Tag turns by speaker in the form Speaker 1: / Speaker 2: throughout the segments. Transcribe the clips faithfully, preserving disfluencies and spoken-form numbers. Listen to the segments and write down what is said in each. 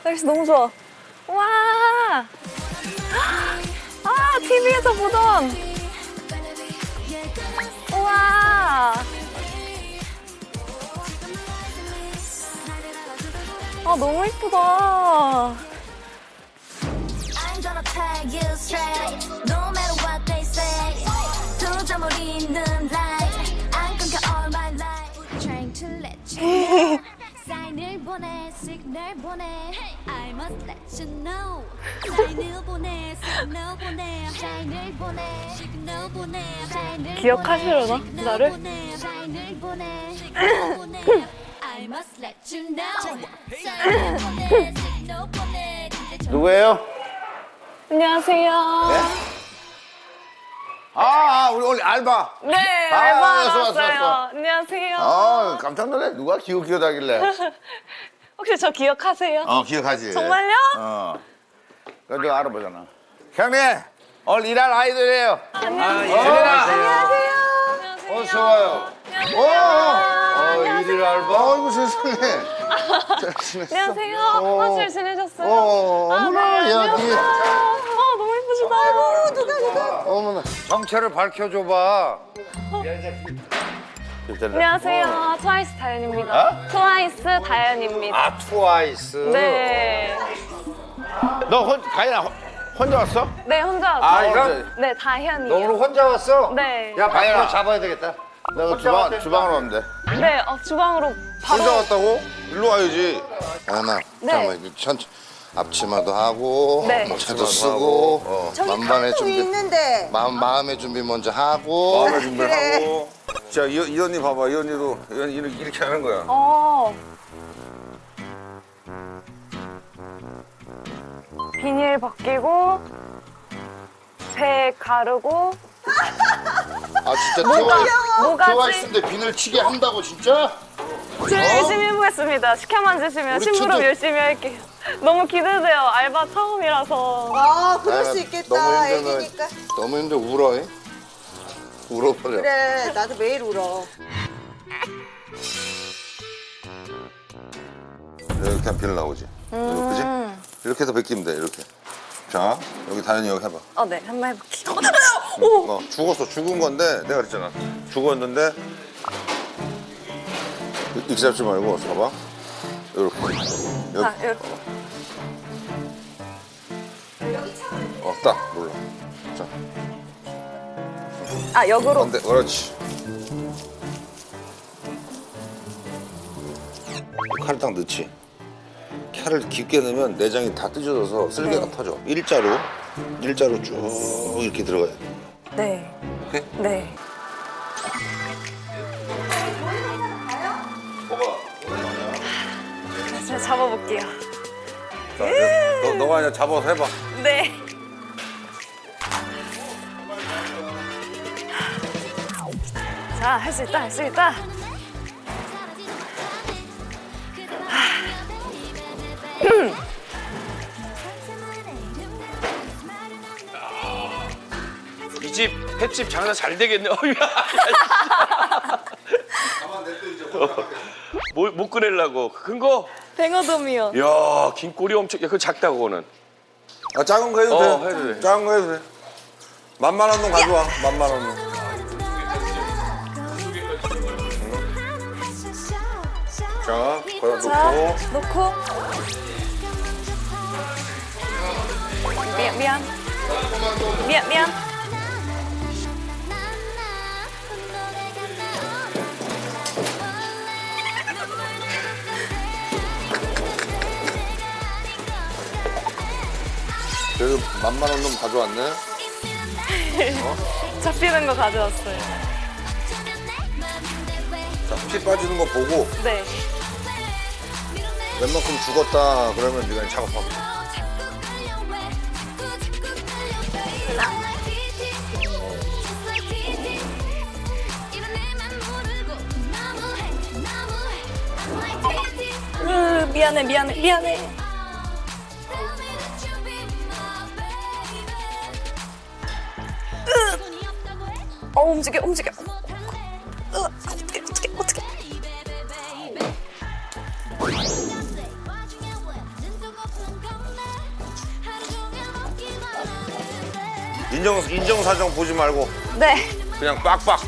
Speaker 1: 날씨 너무 좋아. 와. 아, 티비에서 보던. 우와. 아, 너무 이쁘다.
Speaker 2: I'm gonna tell you straight, no matter what they say. 도저히 있는 light, 안 끊겨 all my life. Trying to let you know. 사인을 보내, 시그널 보내. I must let you know. 사인을 보내, 시그널 보내. 사인을 보내, 시그널 보내. 사인을
Speaker 1: 기억하시려나?
Speaker 2: 보내,
Speaker 1: 나를?
Speaker 2: 사인을 보내, 시그널 보내. I must let you know. 사인을 보내, 시그널 보내.
Speaker 3: 누구예요?
Speaker 1: 안녕하세요.
Speaker 3: 네? 아, 아, 우리 오늘 알바.
Speaker 1: 네,
Speaker 3: 아,
Speaker 1: 알바
Speaker 3: 왔어, 왔어,
Speaker 1: 나왔어요.
Speaker 3: 왔어.
Speaker 1: 안녕하세요.
Speaker 3: 아, 깜짝 놀래. 누가 기억 기억하길래.
Speaker 1: 혹시 저 기억하세요?
Speaker 3: 어, 기억하지.
Speaker 1: 정말요?
Speaker 3: 어. 그래도 알아보잖아. 형님, 오늘 일할 아이들이에요.
Speaker 1: 안녕하세요.
Speaker 3: 어,
Speaker 1: 안녕하세요.
Speaker 3: 어서 와요. 오, 어, 일일 알바. 어이구, 세상에. 잘 지냈어?
Speaker 1: 안녕하세요.
Speaker 3: 어.
Speaker 1: 아, 잘 지내셨어요?
Speaker 3: 어,
Speaker 1: 아,
Speaker 3: 어머나,
Speaker 1: 네,
Speaker 3: 야,
Speaker 1: 안녕하세요.
Speaker 3: 니.
Speaker 1: 아, 너무 예쁘시다. 아이고, 누가, 누가.
Speaker 3: 어머나. 정체를 밝혀줘봐.
Speaker 1: 안녕하세요. 트와이스 다현입니다.
Speaker 3: 어?
Speaker 1: 트와이스 다현입니다.
Speaker 3: 아, 트와이스.
Speaker 1: 네.
Speaker 3: 너 혼, 가인아, 혼- 혼자 왔어?
Speaker 1: 네, 혼자
Speaker 3: 아,
Speaker 1: 왔어요.
Speaker 3: 이거?
Speaker 1: 네, 다현이요.
Speaker 4: 너 오늘 혼자 왔어?
Speaker 1: 네.
Speaker 4: 야,
Speaker 3: 가인아.
Speaker 4: 밖으로 잡아야 되겠다.
Speaker 3: 내가
Speaker 4: 혼자
Speaker 3: 주방,
Speaker 4: 왔대.
Speaker 3: 주방으로 왔는데.
Speaker 1: 네, 어, 주방으로 바로.
Speaker 3: 혼자 왔다고? 일로 와야지. 하나,
Speaker 1: 네.
Speaker 3: 잠깐만, 이거 천천 앞치마도 하고,
Speaker 1: 네.
Speaker 3: 차도 쓰고, 어,
Speaker 5: 저기
Speaker 3: 만반의
Speaker 5: 카톡이
Speaker 3: 준비,
Speaker 5: 있는데
Speaker 3: 마음, 마음의 준비 먼저 하고.
Speaker 6: 마음의 준비를
Speaker 5: 그래.
Speaker 6: 하고. 자, 이, 이 언니 봐봐. 이 언니도 이 언니 이렇게, 이렇게 하는 거야.
Speaker 1: 어. 비닐 벗기고, 배 가르고,
Speaker 3: 아, 진짜 트와이스,
Speaker 1: 뭐가지?
Speaker 3: 트와이스인데 비늘 치게 한다고, 진짜?
Speaker 1: 제가 열심히 해보겠습니다. 시켜만 주시면
Speaker 3: 우리
Speaker 1: 심부름
Speaker 3: 친구-
Speaker 1: 열심히 할게요. 너무 기대돼요. 알바 처음이라서.
Speaker 5: 아 그럴 수
Speaker 3: 아,
Speaker 5: 있겠다
Speaker 3: 너무 힘들어.
Speaker 5: 애기니까
Speaker 3: 너무 힘들어, 울어. 잉? 울어버려.
Speaker 5: 그래 나도 매일 울어
Speaker 3: 이렇게 하면 비늘 나오지.
Speaker 1: 음.
Speaker 3: 그지? 이렇게 해서 벗기면 돼, 이렇게. 자, 여기 다현이 여기 해봐.
Speaker 1: 어, 네. 한번 해볼게요. 오!
Speaker 3: 어, 죽었어. 죽은 건데 내가 그랬잖아. 죽었는데 이렇게 잡지 말고 봐봐. 이렇게. 여기.
Speaker 1: 아, 이렇게.
Speaker 3: 어, 딱 눌러. 자,
Speaker 1: 아, 역으로.
Speaker 3: 반대. 그렇지. 칼을 딱 넣지. 칼을 깊게 넣으면 내장이 다 뜯어져서 쓸개가
Speaker 1: 네.
Speaker 3: 터져. 일자로, 일자로 쭉 이렇게 들어가야 돼.
Speaker 1: 네.
Speaker 3: 오케이?
Speaker 1: 네. 제가 잡아볼게요.
Speaker 6: 자, 이제 너, 너가 그냥 잡아서 해봐.
Speaker 1: 네. 자, 할 수 있다, 할 수 있다.
Speaker 7: 이 집 횟집 장사 잘 되겠네. 어이야. 뭐, 못 끓이려고 큰 거?
Speaker 1: 뱅어돔이요.
Speaker 7: 이야, 긴 꼬리 엄청. 야, 그거 작다 그거는.
Speaker 6: 아, 작은 거 해도
Speaker 7: 어,
Speaker 6: 돼.
Speaker 7: 해도 돼.
Speaker 6: 작은 거 해도 돼. 만만한 놈 가져와. 만만한 놈. 자, 거기다
Speaker 1: 자,
Speaker 6: 놓고.
Speaker 1: 놓고. 미안, 미안. 미안, 미안.
Speaker 3: 그래도 만만한 놈 가져왔네.
Speaker 1: 잡히는 거 가져왔어요.
Speaker 3: 자, 피 빠지는 거 보고
Speaker 1: 네.
Speaker 3: 웬만큼 죽었다 그러면 네가 작업하면 돼.
Speaker 1: 으, 미안해, 미안해, 미안해. 어, 움직여, 움직여. 으, 어떻게, 어떻게, 어떻게.
Speaker 6: 인정 인정사정 보지 말고
Speaker 1: 네.
Speaker 6: 그냥 빡빡.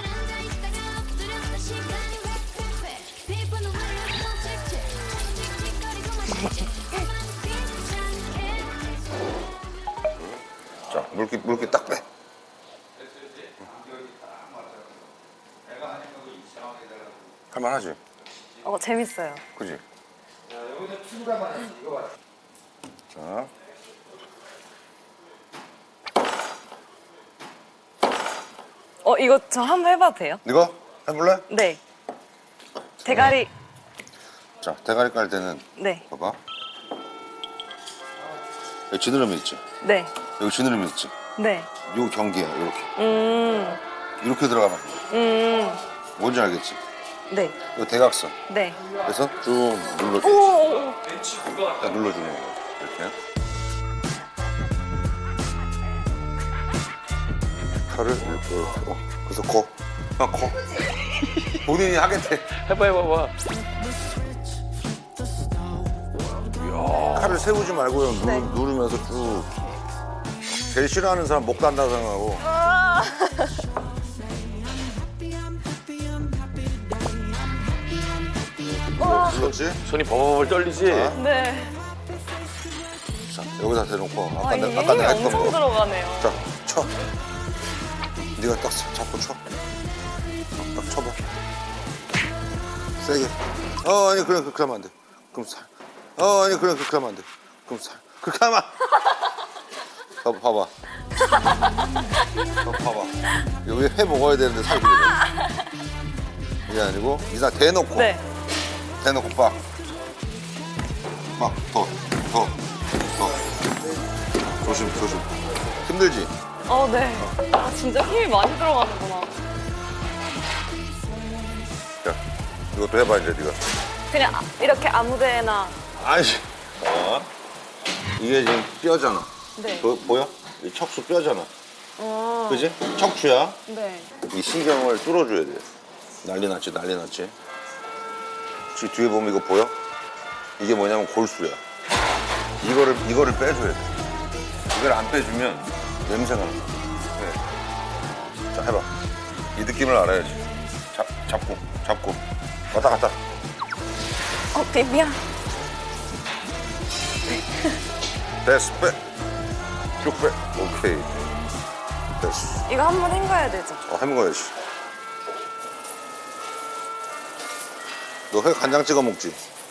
Speaker 6: 자, 물기 물기 딱 빼. 할만하지,
Speaker 1: 어, 재밌어요.
Speaker 6: 그지? 자,
Speaker 1: 어, 이거 저 한번 해봐도 돼요?
Speaker 6: 이거 해볼래?
Speaker 1: 네. 대가리.
Speaker 6: 자, 대가리 깔 때는
Speaker 1: 네.
Speaker 6: 봐봐. 여기 지느러미 있지?
Speaker 1: 네.
Speaker 6: 여기 지느러미 있지?
Speaker 1: 네.
Speaker 6: 요 경계야, 이렇게.
Speaker 1: 음.
Speaker 6: 이렇게 들어가면 돼.
Speaker 1: 음.
Speaker 6: 뭔지 알겠지?
Speaker 1: 네.
Speaker 6: 이 대각선.
Speaker 1: 네.
Speaker 6: 그래서 쭉 눌러,
Speaker 1: 오, 오, 오.
Speaker 6: 딱 눌러주는 거야. 이렇게. 칼을 이렇게, 이렇게. 어, 그래서 코. 아, 코. 본인이 하겠대.
Speaker 7: 해봐 해봐봐.
Speaker 6: 칼을 세우지 말고요. 누,
Speaker 1: 네.
Speaker 6: 누르면서 쭉. 제일 싫어하는 사람 목 단다 생각하고. 눌렀지?
Speaker 7: 손이 버벅 떨리지.
Speaker 6: 자.
Speaker 1: 네.
Speaker 6: 자, 여기다 대놓고. 아까,
Speaker 1: 아,
Speaker 6: 내,
Speaker 1: 이게
Speaker 6: 아까
Speaker 1: 힘이
Speaker 6: 내가 했던
Speaker 1: 엄청
Speaker 6: 거.
Speaker 1: 들어가네요.
Speaker 6: 자, 쳐. 네가 딱 잡고 쳐. 딱 쳐봐. 세게. 어, 아니, 그래, 그렇게 하면 안 돼. 그럼 살. 어, 아니, 그래, 그렇게 하면 안 돼. 그럼 살. 그렇게 하면. 봐, 봐봐. 어, 봐봐. 여기 회 먹어야 되는데 살이 그래. 이게 아니고, 이상 대놓고.
Speaker 1: 네.
Speaker 6: 대놓고 빡. 막, 더, 더, 더. 조심, 조심. 힘들지?
Speaker 1: 어, 네. 아, 진짜 힘이 많이 들어가는구나.
Speaker 6: 자, 이것도 해봐, 이제 네가.
Speaker 1: 그냥 아- 이렇게 아무 데나.
Speaker 6: 아니, 어? 이게 지금 뼈잖아.
Speaker 1: 네.
Speaker 6: 보, 보여? 이 척수 뼈잖아.
Speaker 1: 어.
Speaker 6: 그지? 척추야.
Speaker 1: 네.
Speaker 6: 이 신경을 뚫어줘야 돼. 난리 났지, 난리 났지. 지금 뒤에 보면 이거 보여? 이게 뭐냐면 골수야. 이거를, 이거를 빼줘야 돼. 이걸 안 빼주면 냄새가 나. 네. 자, 해봐. 이 느낌을 알아야지. 잡, 잡고, 잡고. 왔다 갔다.
Speaker 1: 어, 비비야.
Speaker 6: 됐어, 빼. 쭉 빼. 오케이. 됐어.
Speaker 1: 이거 한 번 헹궈야 되죠?
Speaker 6: 어, 해먹어야지. 너 회 간장 찍어 먹지?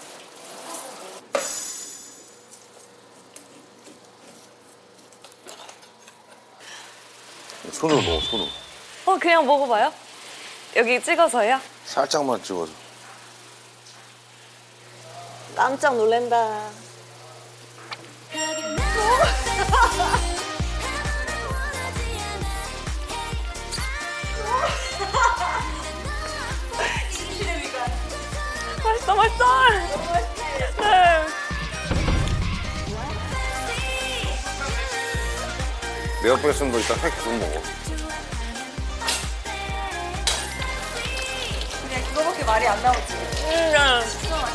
Speaker 6: 손으로 먹어, 손으로.
Speaker 1: 어, 그냥 먹어봐요? 여기 찍어서요?
Speaker 6: 살짝만 찍어서.
Speaker 5: 깜짝 놀란다.
Speaker 1: 맛있어, 맛있어. 네.
Speaker 6: 내가 뺐으면 너 이따 회 계속 먹어.
Speaker 1: 음.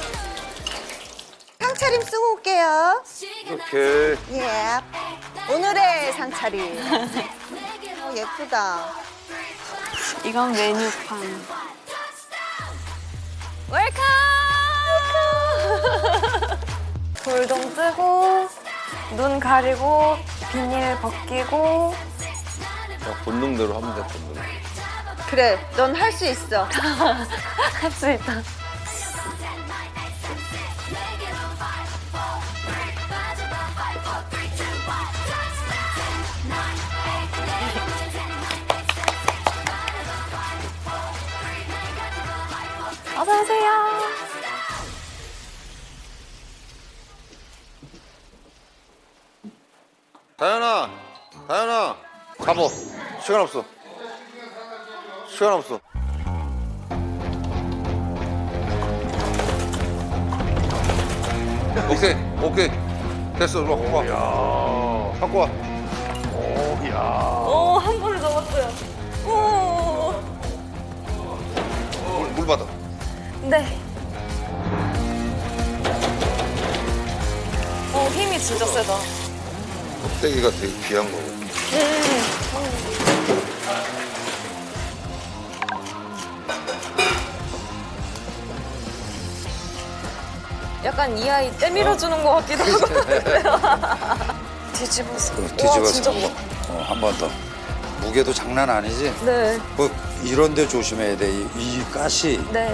Speaker 5: 상차림 쓰고 올게요.
Speaker 6: 오케이.
Speaker 5: 예. 오늘의 상차림. 어, 예쁘다.
Speaker 1: 이건 메뉴판. 웰컴! 돌돔 뜨고, 눈 가리고, 비닐 벗기고.
Speaker 7: 그냥 본능대로 하면 돼 본능.
Speaker 5: 그래, 넌 할 수 있어.
Speaker 1: 할 수 있다. 어서 오세요.
Speaker 6: 다현아, 다현아, 잡어. 시간 없어. 시간 없어. 오케이, 오케이. 됐어, 이리 와, 갖고 와. 갖고 와.
Speaker 1: 오, 한 번에 넘었어요. 오.
Speaker 6: 물, 물 받아.
Speaker 1: 네. 어, 힘이 진짜 세다.
Speaker 6: 껍데기가 되게 귀한 거고.
Speaker 1: 약간 이 아이 때밀어주는 것 같기도 하고. 뒤집어서. 와,
Speaker 8: 뒤집어서
Speaker 1: 진짜
Speaker 8: 한
Speaker 1: 무거워.
Speaker 8: 번, 어, 한 번 더. 무게도 장난 아니지?
Speaker 1: 네.
Speaker 8: 뭐 이런 데 조심해야 돼. 이, 이 가시.
Speaker 1: 네.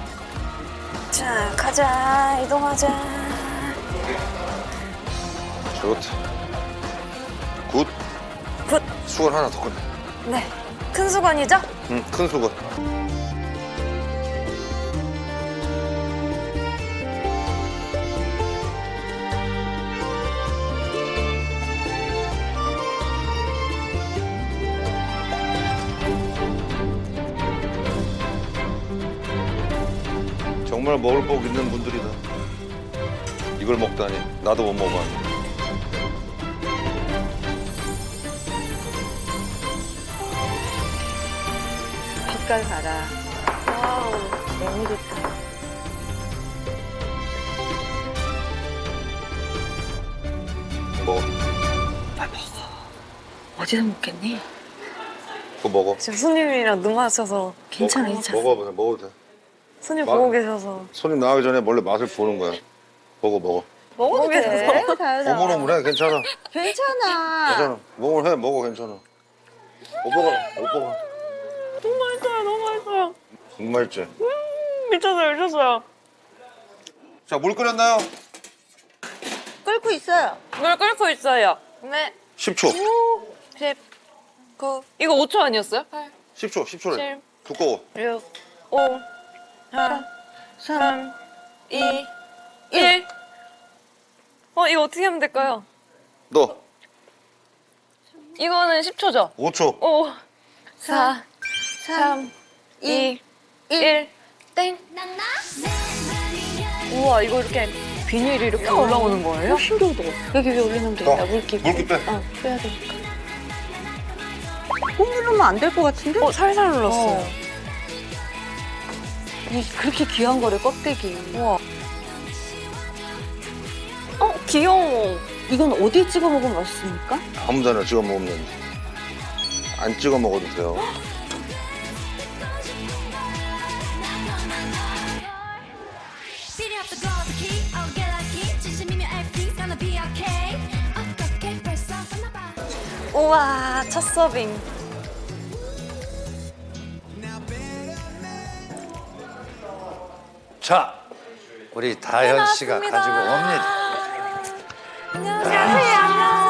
Speaker 1: 자, 가자. 이동하자.
Speaker 6: 좋다. 굿.
Speaker 1: 굿.
Speaker 6: 수건 하나 더 꺼내.
Speaker 1: 네. 큰 수건이죠?
Speaker 6: 응, 큰 수건. 정말 먹을 복 있는 분들이다. 이걸 먹다니. 나도 못 먹어봤는데.
Speaker 5: 빛깔 봐라. 와우, 너무 좋다.
Speaker 6: 먹어.
Speaker 1: 어디서 먹겠니?
Speaker 6: 그거 먹어.
Speaker 1: 지금 손님이랑 눈 마셔서 괜찮아, 괜찮아.
Speaker 6: 먹어, 그냥 먹어도 돼.
Speaker 1: 손님
Speaker 6: 막-
Speaker 1: 보고 계셔서.
Speaker 6: 손님 나가기 전에 원래 맛을 보는 거야. 먹어, 먹어.
Speaker 5: 먹어도 돼. 다현아.
Speaker 6: 오물오물해, 괜찮아.
Speaker 5: 괜찮아.
Speaker 6: 괜찮아. 먹을 해, 먹어, 괜찮아. 오빠가, 오빠가.
Speaker 1: 너무 맛있어요, 너무 맛있어요.
Speaker 6: 정말 맛있지?
Speaker 1: 미쳤어요, 미쳤어요.
Speaker 6: 자, 물 끓였나요?
Speaker 5: 끓고 있어요.
Speaker 1: 물 끓고 있어요. 네.
Speaker 6: 십 초.
Speaker 1: 십, 구. 이거 오 초 아니었어요? 팔,
Speaker 6: 십 초, 십 초래.
Speaker 1: 칠.
Speaker 6: 두꺼워.
Speaker 1: 육, 오, 사, 삼, 이, 일. 어, 이거 어떻게 하면 될까요?
Speaker 6: 너,
Speaker 1: 이거는 십 초죠?
Speaker 6: 오 초.
Speaker 1: 오, 사, 삼, 이, 일. 땡. 우와, 이거 이렇게 비닐이 이렇게 올라오는 거예요? 신기하다. 여기 위에 올리면 되겠다, 물기.
Speaker 6: 물기 빼.
Speaker 1: 어, 빼야 되니까.
Speaker 5: 꼭 누르면 안 될 것 같은데?
Speaker 1: 어, 살살 눌렀어요.
Speaker 5: 어. 이 그렇게 귀한 거를 껍데기.
Speaker 1: 우와. 어, 귀여워.
Speaker 5: 이건 어디에 찍어 먹으면 맛있습니까?
Speaker 6: 아무 데나 찍어 먹으면 되는데. 안 찍어 먹어도 돼요.
Speaker 2: Beat up the girls, the key, oh get lucky. 진심이면 everything's gonna be okay. 어떻게 벌써 끝나봐.
Speaker 1: 우와, 첫 서빙.
Speaker 8: 자, 우리 다현 씨가
Speaker 1: 해놨습니다.
Speaker 8: 가지고 옵니다.
Speaker 1: 안녕하세요.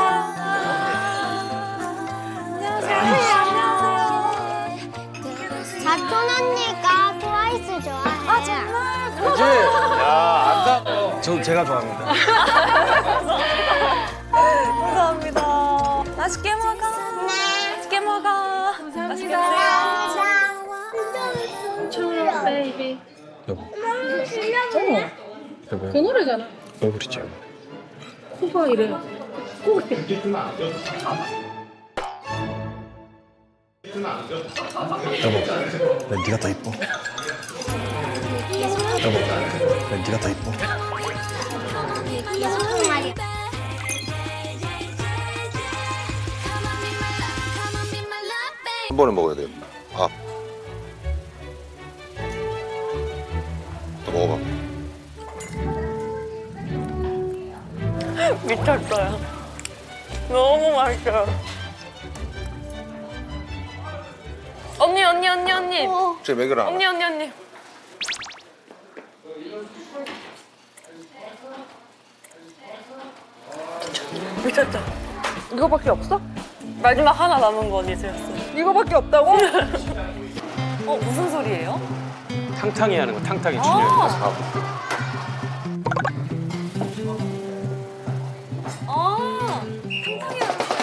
Speaker 2: 사촌 언니가 트와이스 좋아해. 아 정말?
Speaker 8: 그지? 야, 안다. 저 제가 좋아합니다.
Speaker 1: 감사합니다. 맛있게 먹어. 맛있게 먹어. 맛있게 드세요.
Speaker 9: 그 노래잖아. 왜 그러지? 코가 이래.
Speaker 10: 여보, 난 네가 더 이뻐. 여보, 난 네가 더 이뻐.
Speaker 6: 한 번에 먹어야 돼요. 밥. 또 먹어봐.
Speaker 1: 미쳤어요. 너무 맛있어요. 언니, 언니, 언니, 언니.
Speaker 6: 제 먹여라.
Speaker 1: 언니, 언니, 언니. 미쳤죠? 이거밖에 없어? 마지막 하나 남은 거 언니 드렸어요.
Speaker 5: 이거밖에 없다고?
Speaker 1: 어, 무슨 소리예요?
Speaker 7: 탕탕이 하는 거, 탕탕이 출연해서 사고.
Speaker 1: 아, 탕탕이 하는 거.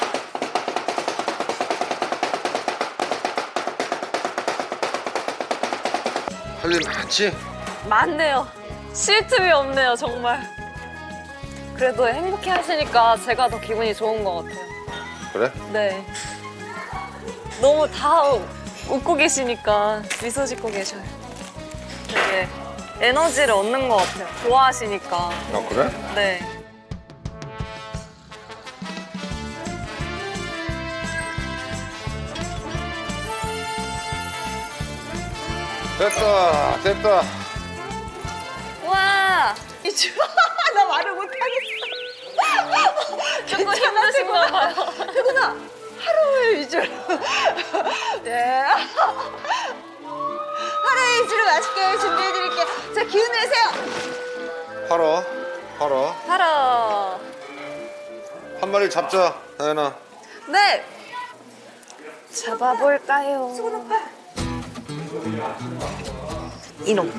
Speaker 6: 할 일 많지?
Speaker 1: 많네요. 쉴 틈이 없네요, 정말. 그래도 행복해 하시니까 제가 더 기분이 좋은 것 같아요.
Speaker 6: 그래?
Speaker 1: 네. 너무 다 웃고 계시니까 미소 짓고 계셔요. 되게 에너지를 얻는 것 같아요. 좋아하시니까.
Speaker 6: 아, 그래?
Speaker 1: 네.
Speaker 3: 됐다, 됐다.
Speaker 1: 와,
Speaker 5: 나 말을 못하겠어.
Speaker 1: 조금 힘드신가 봐요.
Speaker 5: 태구나 하루 위주로. 네. 하루 위주로 맛있게 준비해드릴게요. 자 기운 내세요.
Speaker 3: 팔아, 팔아.
Speaker 1: 하러.
Speaker 3: 한 마리 잡자, 다현아.
Speaker 1: 네. 잡아볼까요?
Speaker 5: 이놈.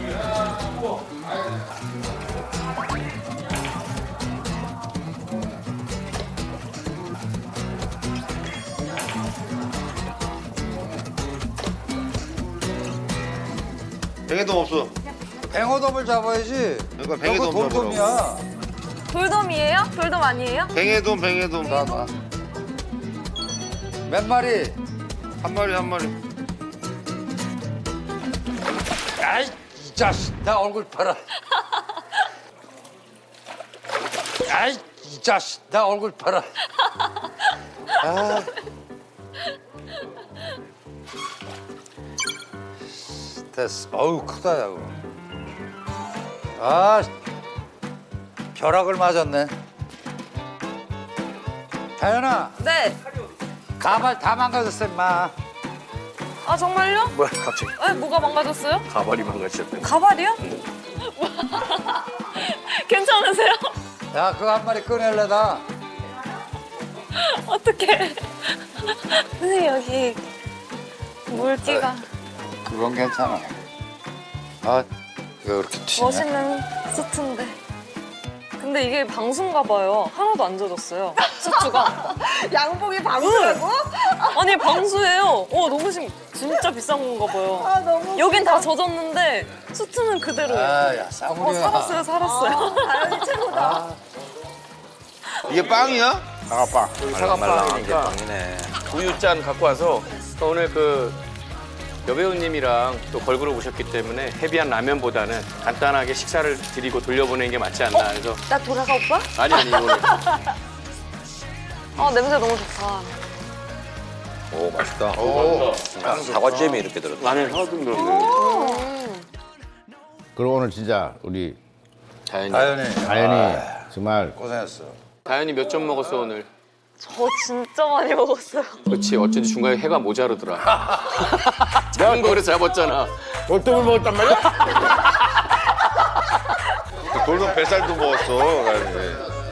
Speaker 3: 뱅에돔 없어.
Speaker 8: 뱅어돔을 잡아야지.
Speaker 3: 그러니까 뱅에돔
Speaker 8: 저거 돌돔이야.
Speaker 1: 돌돔이에요? 돌돔 아니에요?
Speaker 3: 뱅에돔, 뱅에돔.
Speaker 8: 봐봐. 몇 마리?
Speaker 3: 한 마리, 한 마리.
Speaker 8: 아이 이 자식 나 얼굴 봐라. 아이 이 자식 나 얼굴 봐라. 아. 됐어. 어우 크다 야. 아 벼락을 맞았네. 다현아
Speaker 1: 네.
Speaker 8: 가발 다 망가졌어 임마.
Speaker 1: 아 정말요?
Speaker 7: 뭐야 갑자기
Speaker 1: 네, 뭐가 망가졌어요?
Speaker 7: 가발이 망가졌대.
Speaker 1: 가발이요? 괜찮으세요?
Speaker 8: 야 그거 한 마리 꺼낼래다.
Speaker 1: 어떡해. 선생님 여기 물기가
Speaker 8: 그건 괜찮아. 아 이거 이렇게 튀네.
Speaker 1: 멋있는 수트인데. 근데 이게 방수인가 봐요. 하나도 안 젖었어요. 수트가.
Speaker 5: 양복이 방수라고?
Speaker 1: 아니 방수예요. 어 너무 심, 진짜 비싼 건가 봐요.
Speaker 5: 아 너무.
Speaker 1: 여긴 다 젖었는데 수트는 그대로예요.
Speaker 8: 아야
Speaker 1: 어
Speaker 8: 싸구려야.
Speaker 1: 살았어요 살았어요.
Speaker 5: 다현이 최고다.
Speaker 3: 이게 빵이야?
Speaker 6: 사과빵.
Speaker 7: 사과빵이니까 우유잔 갖고 와서 오늘 그 여배우님이랑 또 걸그룹 오셨기 때문에 헤비한 라면보다는 간단하게 식사를 드리고 돌려보내는 게 맞지 않나 그래서
Speaker 1: 나 돌아가 오빠?
Speaker 7: 아니 아니 이거는
Speaker 1: 아 냄새 너무 좋다.
Speaker 6: 오, 맛있다.
Speaker 3: 오.
Speaker 6: 사과잼이 이렇게 들었다.
Speaker 7: 라면 하던 거
Speaker 11: 그리고 오늘 진짜 우리
Speaker 7: 다현이
Speaker 8: 다현이.
Speaker 11: 다현이 정말
Speaker 8: 고생했어.
Speaker 7: 다현이 몇 점 먹었어 오늘?
Speaker 1: 저 진짜 많이 먹었어요.
Speaker 7: 그렇지 어쩐지 중간에 해가 모자르더라. 작은 거 그래서 잡았잖아.
Speaker 11: 돌돔을 먹었단 말이야?
Speaker 3: 돌돔 뱃살도 먹었어, 다현이.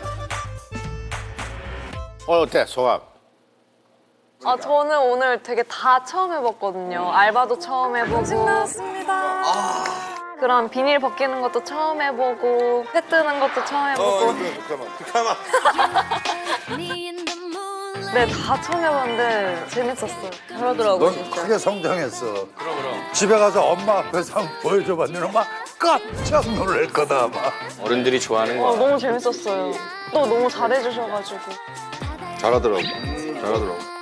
Speaker 11: 오늘 어때 소감?
Speaker 1: 아 저는 오늘 되게 다 처음 해봤거든요. 알바도 처음 해보고. 신났습니다. 그런 비닐 벗기는 것도 처음 해보고 회 뜨는 것도 처음 해보고.
Speaker 3: 잠깐만, 잠깐만.
Speaker 1: 네 다 처음 해봤는데 재밌었어요. 잘하더라고요.
Speaker 8: 넌 크게 성장했어. 그럼 그럼. 집에 가서 엄마 앞에서 한번 보여줘봤는데 엄마 깜짝 놀랄 거다 아마.
Speaker 7: 어른들이 좋아하는
Speaker 1: 어,
Speaker 7: 거.
Speaker 1: 너무 재밌었어요. 또 너무 잘해주셔가지고.
Speaker 3: 잘하더라고. 잘하더라고.